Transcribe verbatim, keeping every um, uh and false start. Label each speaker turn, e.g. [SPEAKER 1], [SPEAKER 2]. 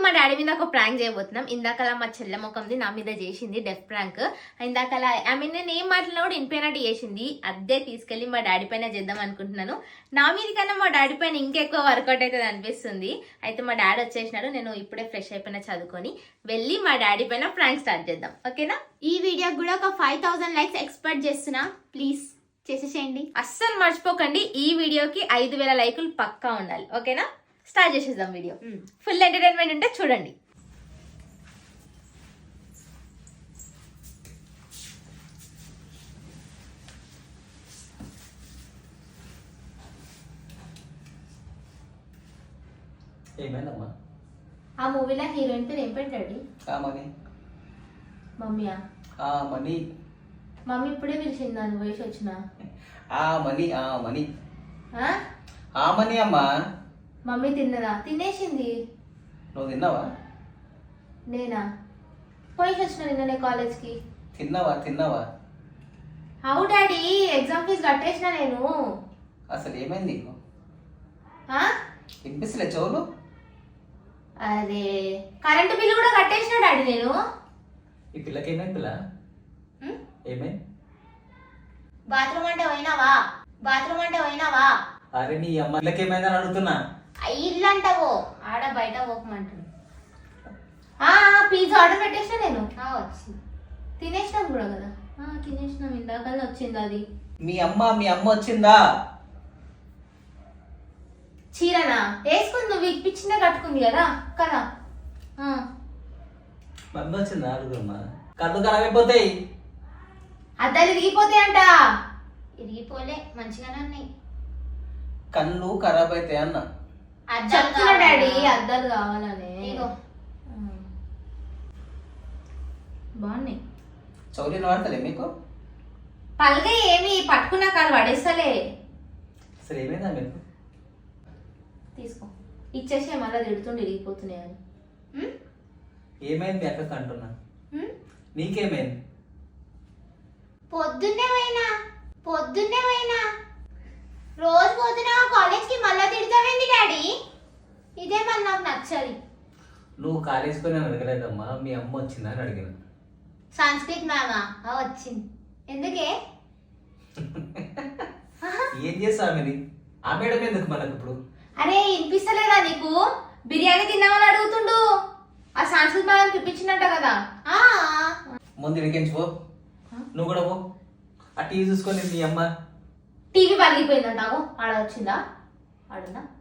[SPEAKER 1] మా డాడీ మీద ఒక ప్రాంక్ చేయబోతున్నాం. ఇందాకలా మా చెల్లె ముఖంది నా మీద చేసింది డెఫ్ ప్రాంక్. ఇందాకలా ఐ మీన్ నేను ఏం మాట్లాడినా కూడా వినిపోయినట్టు చేసింది. అదే తీసుకెళ్లి మా డాడీ పైన చేద్దాం అనుకుంటున్నాను. నా మీద కన్నా మా డాడీ పైన ఇంకెక్కువ వర్కౌట్ అవుతుంది అనిపిస్తుంది. అయితే మా డాడీ వచ్చేసినాడు. నేను ఇప్పుడే ఫ్రెష్ అయిపోయినా చదువుకొని వెళ్ళి మా డాడీ పైన ప్రాంక్ స్టార్ట్ చేద్దాం. ఓకేనా?
[SPEAKER 2] ఈ వీడియోకి కూడా ఒక ఫైవ్ థౌసండ్ లైక్స్ ఎక్స్పెక్ట్ చేస్తున్నా. ప్లీజ్ చేసేసేయండి.
[SPEAKER 1] అస్సలు మర్చిపోకండి, ఈ వీడియోకి ఐదు వేల లైకులు పక్కా ఉండాలి. ఓకేనా? స్టార్ట్ చేసేద్దాం వీడియో. ఫుల్ ఎంటర్టైన్మెంట్ ఉంటే చూడండి.
[SPEAKER 3] ఏమైందమ్మా?
[SPEAKER 1] ఆ మూవీలో హీరోయిన్ పేరు ఏం పెట్టాడు?
[SPEAKER 3] మనీ.
[SPEAKER 1] మమ్మీయా?
[SPEAKER 3] మనీ.
[SPEAKER 1] మమ్మీ ఇప్పుడే పిలిచింది దాని వయసు వచ్చిన.
[SPEAKER 3] ఆ మనీ ఆ మనీ
[SPEAKER 1] ఆ?
[SPEAKER 3] ఆ మనీ అమ్మా.
[SPEAKER 1] మమ్మీ తిన్నదా? తినేసింది.
[SPEAKER 3] నువ్వు తిన్నావా?
[SPEAKER 1] నేనా? పోయి వచ్చిన నిన్ననే కాలేజ్కి.
[SPEAKER 3] తిన్నావా తిన్నావా?
[SPEAKER 1] అవు డాడీ, ఎగ్జామ్ ఫీజు కట్టేసిన నేను.
[SPEAKER 3] అసలు ఏమైంది నీకు?
[SPEAKER 1] ఆ?
[SPEAKER 3] వినిపిస్తలే చెవులు?
[SPEAKER 1] అరే కరెంటు బిల్లు కూడా కట్టేసిన డాడీ నేను.
[SPEAKER 3] ఈ పిల్లకి ఏమైంది పిల్ల? ఏమైంది?
[SPEAKER 2] బాత్రూమ్ అంటే పోయినావా? బాత్రూమ్ అంటే పోయినావా?
[SPEAKER 3] అరే నీ అమ్మ పిల్లకి ఏమైందని అడుగుతున్నా.
[SPEAKER 2] ఇల్లు అంటావు,
[SPEAKER 1] ఆడ బయట పోకమంటాడు. పిజ్జా ఆర్డర్ పెట్టేసిన నేను.
[SPEAKER 2] వచ్చింది.
[SPEAKER 1] తినేసినాం కూడా కదా. తినేసినాం, ఇందాకనే వచ్చింది అది.
[SPEAKER 3] మీ అమ్మ మీ అమ్మ వచ్చిందా?
[SPEAKER 1] చీరనా వేసుకుంది, నువ్వు ఇప్పించిందే కట్టుకుంది కదా కదా.
[SPEAKER 3] మమ్మీ వచ్చిందా అడుగుమ్మా. కళ్ళు ఖరాబ్ అయిపోతాయి.
[SPEAKER 1] అద్దాలు ఇరిగిపోతాయి అంట.
[SPEAKER 2] ఇరిగిపోలే, మంచిగానే ఉన్నాయి.
[SPEAKER 3] కళ్ళు ఖరాబ్ అవుతాయి అన్న.
[SPEAKER 1] చెప్తున్నా డాడీ, అద్దాలు కావాలని. బాగున్నాయి.
[SPEAKER 3] చౌలీలు వాడతలే మీకు?
[SPEAKER 1] పల్గా ఏమి పట్టుకున్నా కాదు పడేస్తలే.
[SPEAKER 3] అసలు ఏమైందా మీకు?
[SPEAKER 1] తీసుకో, ఇచ్చేసి మళ్ళీ తిడుతుండే ఇరిగిపోతున్నాయి అని.
[SPEAKER 3] ఏమైంది మీ అక్కకి అంటున్నా. నీకేమైంది?
[SPEAKER 2] పొద్దున్నే పోయినా పొద్దున్నే పోయినా రోజు పోతున్నావా కాలేజ్కి? మళ్ళా తిడతావేంది డాడీ? ఇదే మళ్ళీ నాకు నచ్చది.
[SPEAKER 3] నువ్వు కాలేజ్ పోయినా అడగలేదమ్మా, మీ అమ్మ వచ్చిందా అని అడిగిన.
[SPEAKER 2] సంస్కృత్ మ్యామా వచ్చింది. ఎందుకే?
[SPEAKER 3] ఏం చేస్తా ఆమెది? ఆ మేడం ఎందుకు మనకు ఇప్పుడు?
[SPEAKER 1] అరే వినిపిస్తలేదా నీకు? బిర్యానీ తిన్నామని అడుగుతుండు. ఆ సంస్కృతి మేడం పిలిపించిందంట కదా.
[SPEAKER 2] ఆ
[SPEAKER 3] ముందు ఇడికించు పో. నువ్వు కూడా పో. ఆ టీవీ చూసుకొని మీ అమ్మ.
[SPEAKER 1] టీవీ పలిగిపోయిందంటావు. ఆడ వచ్చిందా? ఆడుందా?